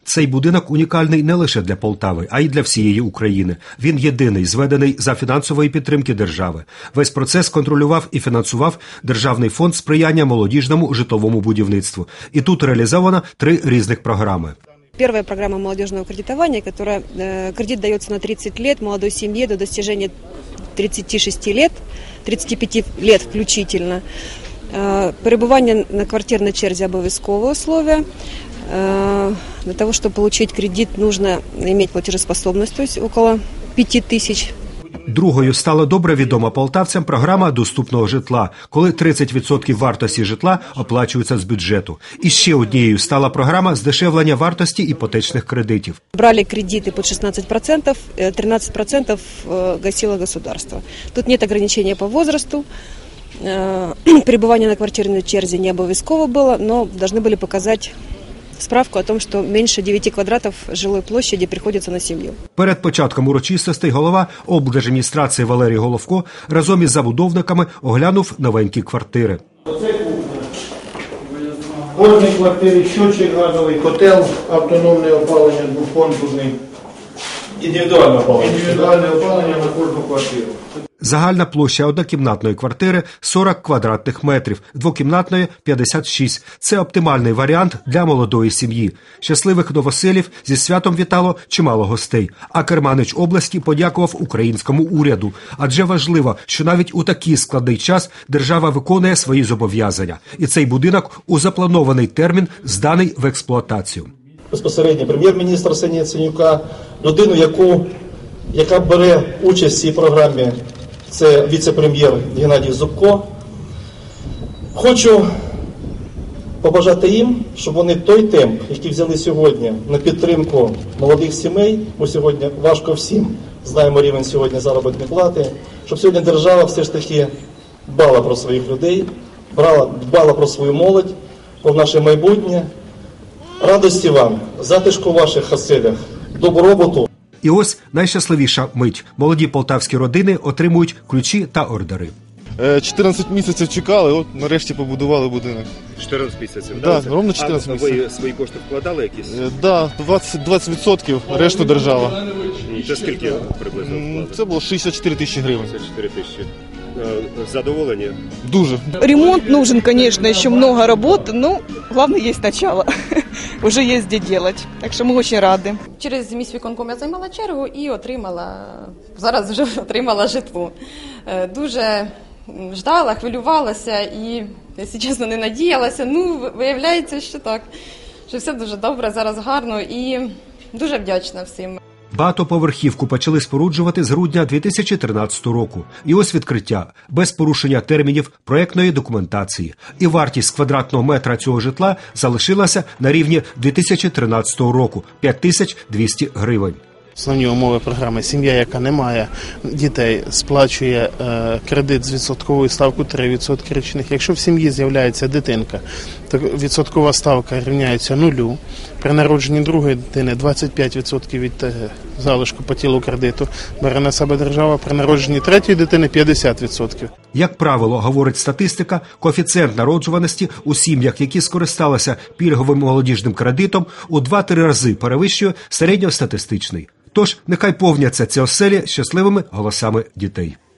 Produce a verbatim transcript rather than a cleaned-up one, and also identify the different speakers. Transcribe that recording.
Speaker 1: Цей будинок унікальний не лише для Полтави, а й для всієї України. Він єдиний, зведений за фінансової підтримки держави. Весь процес контролював і фінансував Державний фонд сприяння молодіжному житловому будівництву. І тут реалізовано три різних програми.
Speaker 2: Первая программа молодежного кредитования, которая э, кредит дается на тридцать лет молодой семье до достижения тридцати шести лет, тридцати пяти лет включительно. Э, перебывание на квартирной черзе обов'язковое условие. Э, для того, чтобы получить кредит, нужно иметь платежеспособность, то есть около пяти тысяч.
Speaker 1: Другою стала добре відома полтавцям програма доступного житла, коли тридцять відсотків вартості житла оплачуються з бюджету. І ще однією стала програма здешевлення вартості іпотечних кредитів.
Speaker 2: Брали кредиты под шестнадцать процентов, тринадцать процентов гасило государство. Тут нет ограничения по возрасту. Пребывание на квартирной черзе не обовязково было, но должны были показать справку о том, що менше дев'яти квадратів жилої площади приходиться на сім'ю. Перед початком урочистостей голова облдержадміністрації Валерій Головко разом із забудовниками оглянув новенькі квартири.
Speaker 3: Оце кухня. В кожній квартирі щочик газовий, котел, автономне опалення, двохконтурний. Індивідуальне опалення. Індивідуальне опалення на кожну квартиру.
Speaker 1: Загальна площа однокімнатної квартири – сорок квадратних метрів, двокімнатної – п'ятдесят шість. Це оптимальний варіант для молодої сім'ї. Щасливих новоселів зі святом вітало чимало гостей. А керманич області подякував українському уряду. Адже важливо, що навіть у такий складний час держава виконує свої зобов'язання. І цей будинок у запланований термін зданий в експлуатацію.
Speaker 4: Безпосередньо прем'єр-міністр Арсенія Яценюка, людину, яку, яка бере участь в цій програмі, це віце-прем'єр Геннадій Зубко. Хочу побажати їм, щоб вони той темп, який взяли сьогодні на підтримку молодих сімей, бо сьогодні важко всім, знаємо рівень сьогодні заробітної плати, щоб сьогодні держава все ж таки дбала про своїх людей, брала, дбала про свою молодь, про наше майбутнє. Радості вам, затишку в ваших оселях, добробуту.
Speaker 1: І ось найщасливіша мить. Молоді полтавські родини отримують ключі та ордери.
Speaker 5: чотирнадцять місяців чекали, от нарешті побудували будинок.
Speaker 1: чотирнадцять місяців?
Speaker 5: Так, да, ровно чотирнадцять
Speaker 1: а
Speaker 5: місяців.
Speaker 1: ви свої кошти вкладали якісь?
Speaker 5: Так, да, двадцять відсотків, решту держава.
Speaker 1: Це скільки приблизно вкладали?
Speaker 5: Це було шістдесят чотири тисячі гривень.
Speaker 1: шістдесят чотири тисячі. Задоволені?
Speaker 5: Дуже.
Speaker 6: Ремонт нужен, конечно, еще много работы, но главное есть начало. Уже есть где делать. Так що ми дуже раді.
Speaker 7: Через міськвиконком я займала чергу і отримала, зараз вже отримала житло. Дуже ждала, хвилювалася і, якщо чесно, не надіялася. Ну, виявляється, що так, що все дуже добре, зараз гарно і дуже вдячна всім.
Speaker 1: Багатоповерхівку почали споруджувати з грудня дві тисячі тринадцятого року. І ось відкриття. Без порушення термінів проектної документації. І вартість квадратного метра цього житла залишилася на рівні дві тисячі тринадцятого року – п'ять тисяч двісті гривень.
Speaker 8: Основні умови програми: сім'я, яка не має дітей, сплачує е, кредит з відсотковою ставкою три відсотки річних. Якщо в сім'ї з'являється дитинка, то відсоткова ставка рівняється нулю. При народженні другої дитини двадцять п'ять відсотків від е, залишку по тілу кредиту бере на себе держава. При народженні третьої дитини п'ятдесят відсотків.
Speaker 1: Як правило, говорить статистика, коефіцієнт народжуваності у сім'ях, які скористалися пільговим молодіжним кредитом, у два-три рази перевищує середньостатистичний. Тож, нехай повняться ці оселі щасливими голосами дітей.